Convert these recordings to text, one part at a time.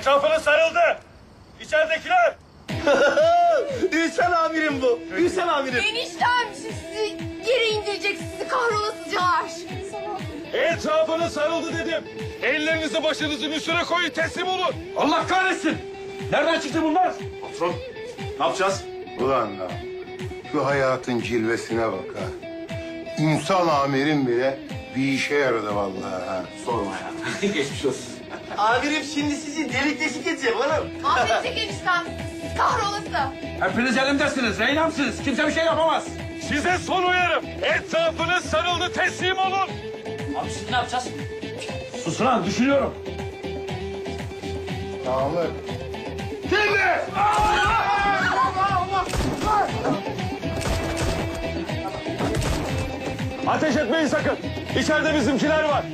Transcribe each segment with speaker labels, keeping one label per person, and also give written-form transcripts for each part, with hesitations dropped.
Speaker 1: Etrafınız sarıldı. İçeridekiler.
Speaker 2: Ülsen amirim bu. Ülsen amirim.
Speaker 3: Eniştem sizi yere indirecek, sizi kahrolasıcalar.
Speaker 1: Etrafınız sarıldı dedim. Ellerinizi başınızın üstüne koyun, teslim olun.
Speaker 4: Allah kahretsin! Nereden çıktı bunlar?
Speaker 2: Patron, ne yapacağız?
Speaker 5: Ulan lan, şu hayatın cilvesine bak ha. Ünsal amirim bile bir işe yaradı vallahi ha.
Speaker 2: Sorma ya. Geçmiş olsun. Amirim şimdi sizi delik deşik edecek oğlum.
Speaker 3: Mahvedecek eniştem, siz kahrolası.
Speaker 4: Hepiniz elimdesiniz, reynamsınız. Kimse bir şey yapamaz.
Speaker 1: Size son uyarım. Etrafınız sarıldı, teslim olun.
Speaker 4: Abi siz ne yapacağız? Susun lan, düşünüyorum.
Speaker 5: Namık.
Speaker 1: Ateş etmeyin sakın. İçeride bizimkiler var.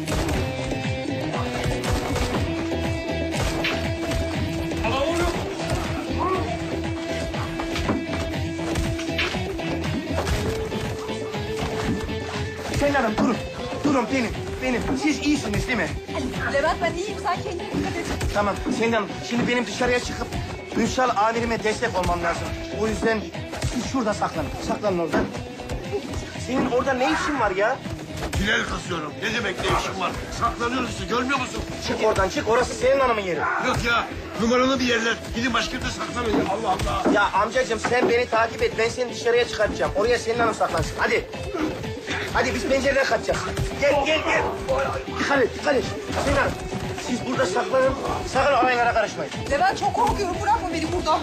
Speaker 2: Selin Hanım durun. Durun benim. Siz iyisiniz değil mi?
Speaker 3: Levent ben iyiyim, sen kendine dikkat et.
Speaker 2: Tamam Selin Hanım. Şimdi benim dışarıya çıkıp Ünsal amirime destek olmam lazım. O yüzden siz şurada saklanın. Saklanın orada. Senin orada ne işin var ya?
Speaker 6: Tünel kazıyorum. Ne demek ne işin var? Saklanıyoruz işte, görmüyor musun?
Speaker 2: Çık oradan çık. Orası Selin Hanım'ın yeri.
Speaker 6: Yok ya, numaralı bir yerler. Gidin başka yerde saklanın. Allah Allah.
Speaker 2: Ya amcacığım sen beni takip et. Ben seni dışarıya çıkartacağım. Oraya Selin Hanım saklansın. Hadi. Hadi biz pencereden kaçacağız. Gel. Dikkat et. Selin Hanım. Siz burada saklanın. Sakın olaylara karışmayın.
Speaker 3: Levent çok korkuyorum, bırakma beni burada.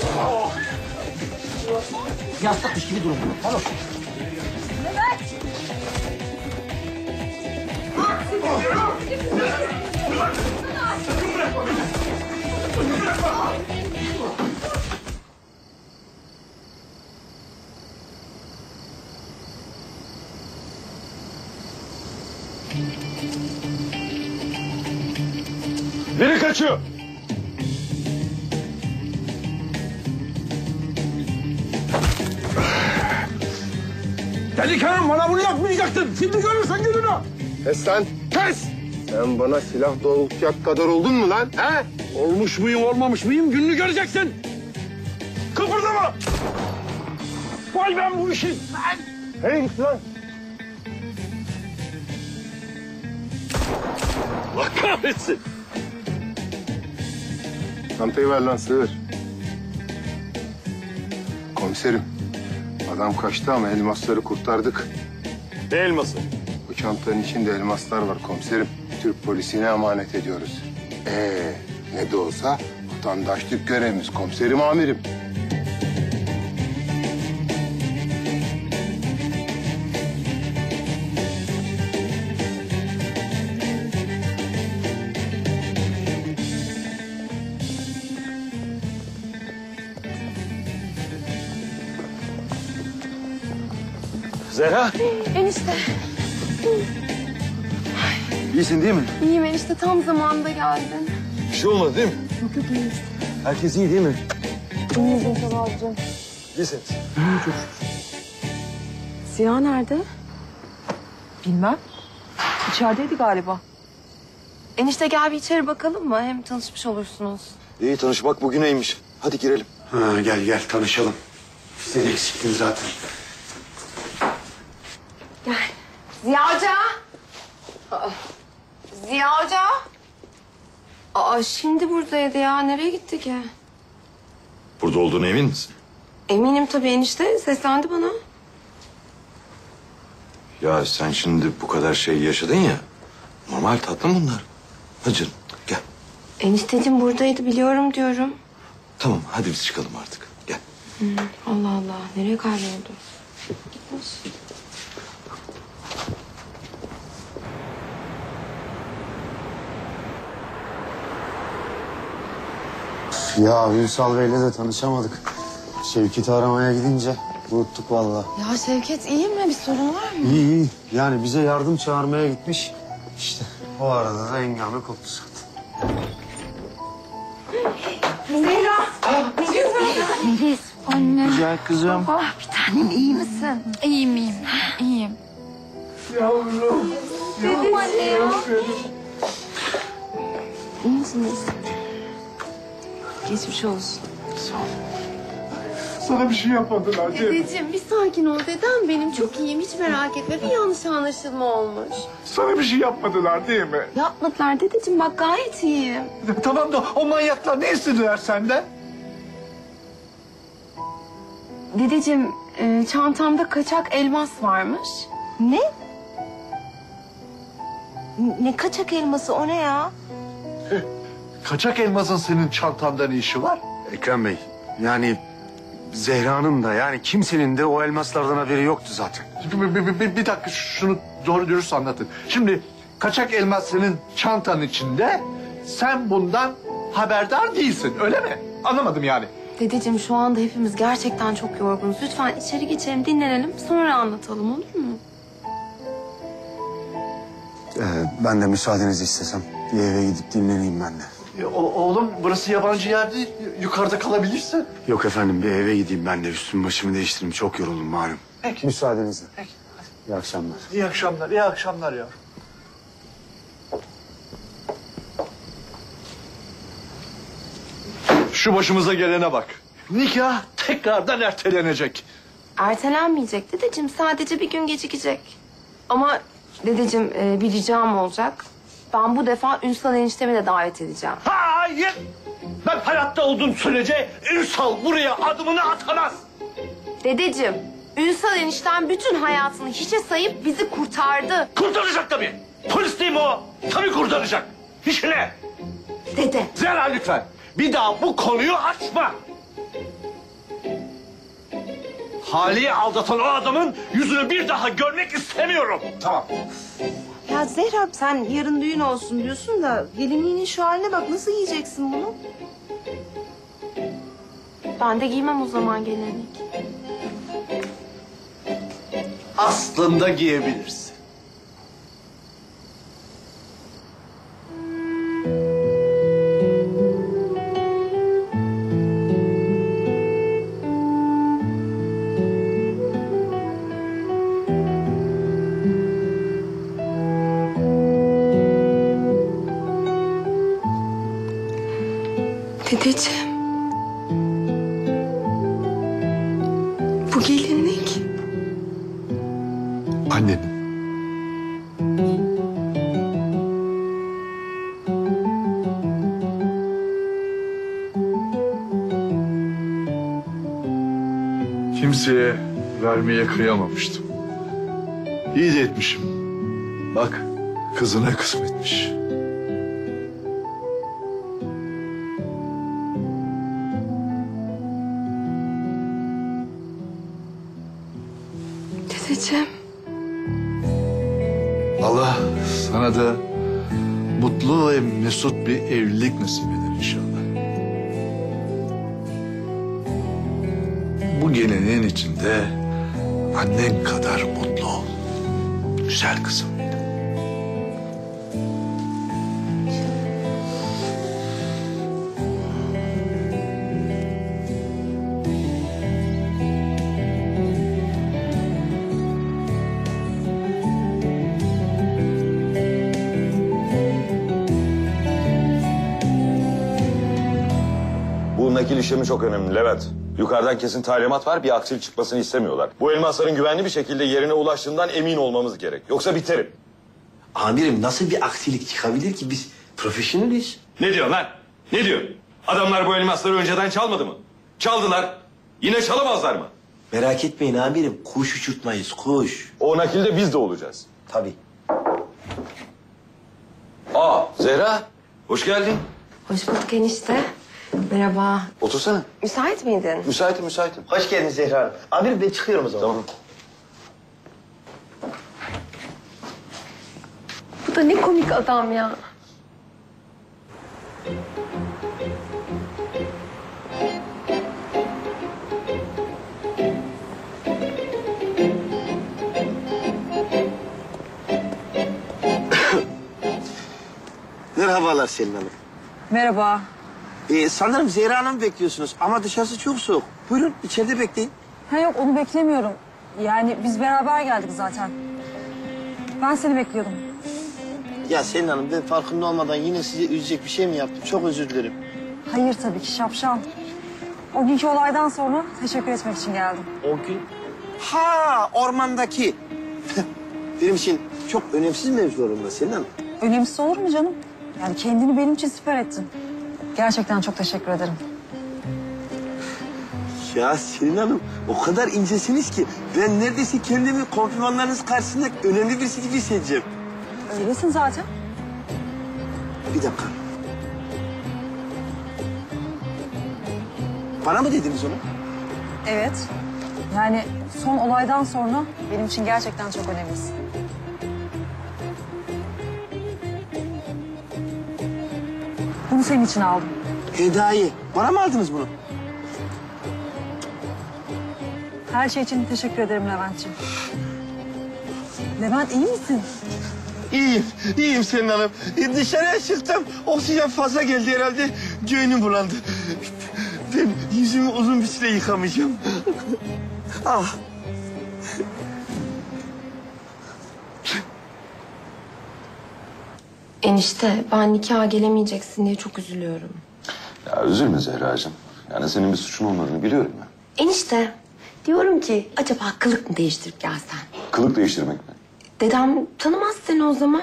Speaker 2: Yastıkmış gibi durun. Tamam.
Speaker 3: Levent!
Speaker 1: Biri kaçıyor.
Speaker 4: Delikanlı bana bunu yapmayacaktın. Şimdi görürsen gününü.
Speaker 5: Kes lan. Kes! Sen bana silah doğrultacak kadar oldun mu lan? He?
Speaker 4: Olmuş muyum, olmamış mıyım gününü göreceksin.
Speaker 1: Kıpırdama.
Speaker 4: Vay ben bu işi.
Speaker 5: Nereye gitti lan?
Speaker 1: Allah kahretsin.
Speaker 5: Çantayı ver lan sığır. Komiserim. Adam kaçtı ama elmasları kurtardık.
Speaker 1: Ne elması?
Speaker 5: Bu çantanın içinde elmaslar var komiserim. Türk polisine emanet ediyoruz. Ne de olsa vatandaşlık görevimiz komiserim amirim.
Speaker 1: Zehra.
Speaker 3: Enişte,
Speaker 1: İyisin değil mi?
Speaker 3: iyiyim enişte, tam zamanında geldin.
Speaker 1: Bir şey olmadı değil mi?
Speaker 3: Yok iyiyiz.
Speaker 1: Herkes iyi değil mi?
Speaker 3: İyiyiz Ünsal abicim.
Speaker 1: İyisiniz.
Speaker 7: Ziya nerede?
Speaker 8: Bilmem. İçerideydi galiba.
Speaker 7: Enişte gel bir içeri bakalım mı? Hem tanışmış olursunuz.
Speaker 9: İyi tanışmak bugüneymiş. Hadi girelim.
Speaker 6: Ha, gel tanışalım. Sen eksiktin zaten.
Speaker 3: Ziya Hoca! Ziya Hoca!
Speaker 7: Aa şimdi buradaydı ya. Nereye gitti ki?
Speaker 9: Burada olduğuna emin misin?
Speaker 7: Eminim tabii enişte. Seslendi bana.
Speaker 9: Ya sen şimdi bu kadar şey yaşadın ya. Normal tatlım bunlar. Hadi canım gel.
Speaker 7: Enişteciğim buradaydı biliyorum diyorum.
Speaker 9: Tamam hadi biz çıkalım artık. Gel.
Speaker 7: Allah Allah. Nereye kayboldu? Gitmiş.
Speaker 10: Ya Ünsal Bey'le de tanışamadık. Şevket'i aramaya gidince unuttuk vallahi.
Speaker 7: Ya Şevket iyi mi? Bir sorun var mı?
Speaker 10: İyi. Yani bize yardım çağırmaya gitmiş. İşte o arada da hengame koptu zaten.
Speaker 3: Melis, anne.
Speaker 10: Güzel kızım.
Speaker 3: Bir tanem, iyi misin? İyiyim.
Speaker 10: Yavrum.
Speaker 3: Dedim anne ya.
Speaker 7: İyi misiniz? Geçmiş olsun.
Speaker 5: Sana bir şey yapmadılar değil mi?
Speaker 3: Dedeciğim bir sakin ol dedem benim çok iyiyim hiç merak etme. Bir yanlış anlaşılma olmuş.
Speaker 5: Sana bir şey yapmadılar değil mi?
Speaker 7: Yapmadılar dedeciğim bak gayet iyiyim.
Speaker 6: Tamam da o manyaklar ne istediler senden?
Speaker 7: Dedeciğim çantamda kaçak elmas varmış.
Speaker 8: Ne? Ne kaçak elması o ne ya?
Speaker 6: Kaçak elmasın senin çantanda ne işi var?
Speaker 10: Ekrem Bey, yani Zehra'nın da yani kimsenin de o elmaslardan haberi yoktu zaten.
Speaker 6: Bir dakika şunu doğru dürüst anlatın. Şimdi kaçak elmas senin çantanın içinde, sen bundan haberdar değilsin öyle mi? Anlamadım yani.
Speaker 7: Dedeciğim şu anda hepimiz gerçekten çok yorgunuz. Lütfen içeri geçelim dinlenelim sonra anlatalım olur mu?
Speaker 10: Ben de müsaadenizi istesem bir eve gidip dinleneyim ben de.
Speaker 6: Oğlum burası yabancı yer değil. Yukarıda kalabilirsin.
Speaker 10: Yok efendim bir eve gideyim ben de üstümü başımı değiştireyim. Çok yoruldum malum.
Speaker 6: Peki.
Speaker 10: Müsaadenizle.
Speaker 6: Peki.
Speaker 10: İyi akşamlar.
Speaker 6: İyi akşamlar, iyi akşamlar ya. Şu başımıza gelene bak. Nikah tekrardan ertelenecek.
Speaker 7: Ertelenmeyecek dedeciğim sadece bir gün gecikecek. Ama dedeciğim bir ricam olacak. Ben bu defa Ünsal eniştemi de davet edeceğim.
Speaker 4: Hayır! Ben hayatta olduğum sürece Ünsal buraya adımını atamaz.
Speaker 7: Dedeciğim Ünsal enişten bütün hayatını hiçe sayıp bizi kurtardı.
Speaker 4: Kurtaracak tabii. Polis değil mi o? Tabii kurtaracak. İşine.
Speaker 7: Dede.
Speaker 4: Zehra lütfen. Bir daha bu konuyu açma. Hali'yi aldatan o adamın yüzünü bir daha görmek istemiyorum.
Speaker 6: Tamam.
Speaker 8: Ya Zehra sen yarın düğün olsun diyorsun da gelinliğinin şu haline bak nasıl giyeceksin bunu?
Speaker 7: Ben de giymem o zaman gelinlik.
Speaker 6: Aslında giyebilirsin.
Speaker 7: Dedeciğim. Bu gelinlik.
Speaker 6: Annenin. Kimseye vermeye kıyamamıştım. İyi de etmişim. Bak kızına kısmetmiş.
Speaker 7: Dedeciğim.
Speaker 6: Allah sana da mutlu ve mesut bir evlilik nasip eder inşallah. Bu geleneğin içinde annen kadar mutlu ol. Güzel kızım benim.
Speaker 9: Bu nakil işlemi çok önemli Levent. Yukarıdan kesin talimat var, bir aksilik çıkmasını istemiyorlar. Bu elmasların güvenli bir şekilde yerine ulaştığından emin olmamız gerek. Yoksa biterim.
Speaker 2: Amirim nasıl bir aksilik çıkabilir ki biz profesyoneliz.
Speaker 1: Ne diyor lan? Ne diyor? Adamlar bu elmasları önceden çalmadı mı? Çaldılar. Yine çalamazlar mı?
Speaker 2: Merak etmeyin amirim kuş uçurtmayız kuş.
Speaker 9: O nakilde biz de olacağız.
Speaker 2: Tabii.
Speaker 9: Aa Zehra, hoş geldin.
Speaker 7: Hoş bulduk enişte. Merhaba.
Speaker 9: Otursana.
Speaker 7: Müsait miydin?
Speaker 9: Müsaitim, müsaitim.
Speaker 2: Hoş geldin Zehra Hanım. Amirim ben çıkıyorum o zaman.
Speaker 9: Tamam.
Speaker 7: Bu da ne komik adam ya.
Speaker 2: Merhabalar Selin Hanım.
Speaker 8: Merhaba.
Speaker 2: Sanırım Zehra Hanım'ı bekliyorsunuz ama dışarısı çok soğuk. Buyurun içeride bekleyin.
Speaker 8: Ha yok onu beklemiyorum. Yani biz beraber geldik zaten. Ben seni bekliyordum.
Speaker 2: Ya Selin Hanım ben farkında olmadan yine sizi üzecek bir şey mi yaptım? Çok özür dilerim.
Speaker 8: Hayır tabii ki şapşal. O günkü olaydan sonra teşekkür etmek için geldim.
Speaker 2: O gün... Ha, ormandaki. Benim için çok önemsiz mevzularımda Selin Hanım.
Speaker 8: Önemsiz olur mu canım? Yani kendini benim için siper ettin. Gerçekten çok teşekkür ederim.
Speaker 2: Ya Selin Hanım, o kadar incesiniz ki ben neredeyse kendimi komplimanlarınız karşısında önemli birisi gibi hissedeceğim.
Speaker 8: Öylesin zaten.
Speaker 2: Bir dakika. Bana mı dediniz onu?
Speaker 8: Evet. Yani son olaydan sonra benim için gerçekten çok önemlisin. Bunu senin için aldım.
Speaker 2: Hediye. Bana mı aldınız bunu?
Speaker 8: Her şey için teşekkür ederim Levent'ciğim. Levent iyi misin?
Speaker 2: İyiyim Selin Hanım. Dışarıya çıktım, oksijen fazla geldi herhalde. Göğnüm bulandı. Ben yüzümü uzun bir süre yıkamayacağım. Ah.
Speaker 7: Enişte ben nikaha gelemeyeceksin diye çok üzülüyorum.
Speaker 9: Ya üzülme Zehracığım. Yani senin bir suçun olmadığını biliyorum ben.
Speaker 7: Enişte diyorum ki acaba kılık mı değiştirip gelsen?
Speaker 9: Kılık değiştirmek mi?
Speaker 7: Dedem tanımaz seni o zaman.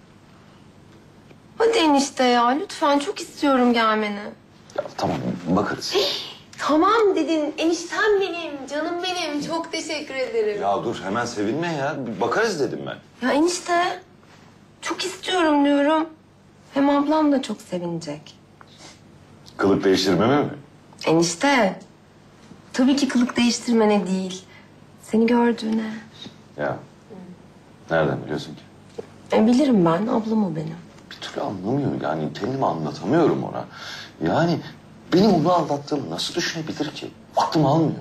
Speaker 7: Hadi enişte ya lütfen çok istiyorum gelmeni.
Speaker 9: Ya tamam bakarız.
Speaker 3: Tamam dedin. Eniştem benim, canım benim. Çok teşekkür ederim.
Speaker 9: Ya dur hemen sevinme ya. Bir bakarız dedim ben.
Speaker 7: Ya enişte çok istiyorum diyorum. Hem ablam da çok sevinecek.
Speaker 9: Kılık değiştirmeme mi?
Speaker 7: Enişte tabii ki kılık değiştirmene değil. Seni gördüğüne.
Speaker 9: Ya nereden biliyorsun ki?
Speaker 7: Bilirim ben ablam o benim.
Speaker 9: Bir türlü anlamıyor yani kendimi anlatamıyorum ona. Yani benim onu aldattığımı nasıl düşünebilir ki? Aklım almıyor.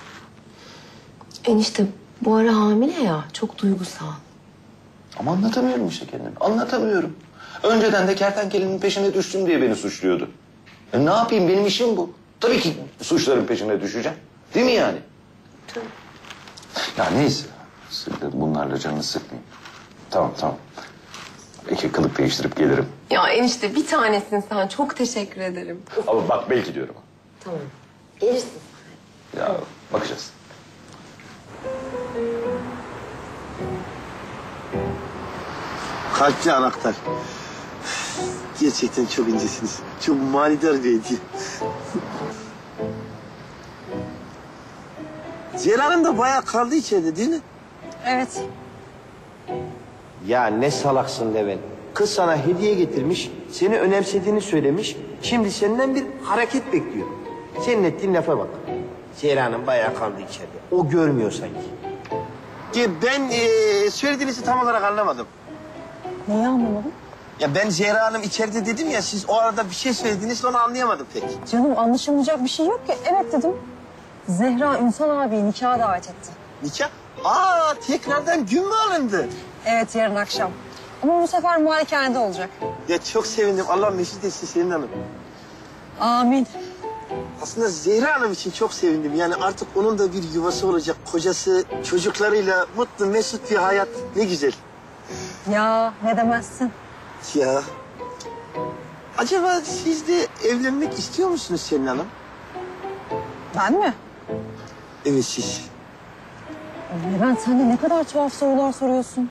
Speaker 7: Enişte bu ara hamile ya çok duygusal.
Speaker 9: Ama anlatamıyorum işte kendimi. Anlatamıyorum. Önceden de kertenkelenin peşine düştüm diye beni suçluyordu. Ne yapayım benim işim bu. Tabii ki suçların peşine düşeceğim. Değil mi yani?
Speaker 7: Tabii.
Speaker 9: Ya neyse. Siz de bunlarla canını sıkmayın. Tamam. Belki kılık değiştirip gelirim.
Speaker 7: Ya enişte bir tanesin sen çok teşekkür ederim.
Speaker 9: Ama bak belki diyorum.
Speaker 7: Tamam gelirsin.
Speaker 9: Ya bakacağız.
Speaker 2: Kalpli anahtar. Gerçekten çok incesiniz. Çok manidar bir hediye. Zehra Hanım da bayağı kaldı içeride değil mi?
Speaker 8: Evet.
Speaker 2: Ya ne salaksın Levent. Kız sana hediye getirmiş, seni önemsediğini söylemiş. Şimdi senden bir hareket bekliyor. Senin ettiğin lafa bak. Zehra Hanım bayağı kaldı içeride. O görmüyor sanki. Ya ben söylediğinizi tam olarak anlamadım.
Speaker 8: Neyi anlamadın?
Speaker 2: Ya ben Zehra Hanım içeride dedim ya, siz o arada bir şey söylediniz, onu anlayamadım pek.
Speaker 8: Canım anlaşılmayacak bir şey yok ki. Evet dedim. Zehra Ünsal abiyi nikaha davet etti.
Speaker 2: Nikah? Aa, tekrardan gün mü alındı?
Speaker 8: Evet yarın akşam. Ama bu sefer malikanede olacak.
Speaker 2: Ya çok sevindim. Allah mesut etsin Selin Hanım.
Speaker 8: Amin.
Speaker 2: Aslında Zehra Hanım için çok sevindim. Yani artık onun da bir yuvası olacak. Kocası, çocuklarıyla mutlu, mesut bir hayat. Ne güzel.
Speaker 8: Ya ne demezsin.
Speaker 2: Ya. Acaba siz de evlenmek istiyor musunuz Selin Hanım?
Speaker 8: Ben mi?
Speaker 2: Evet siz.
Speaker 8: Levent sen de ne kadar tuhaf sorular soruyorsun.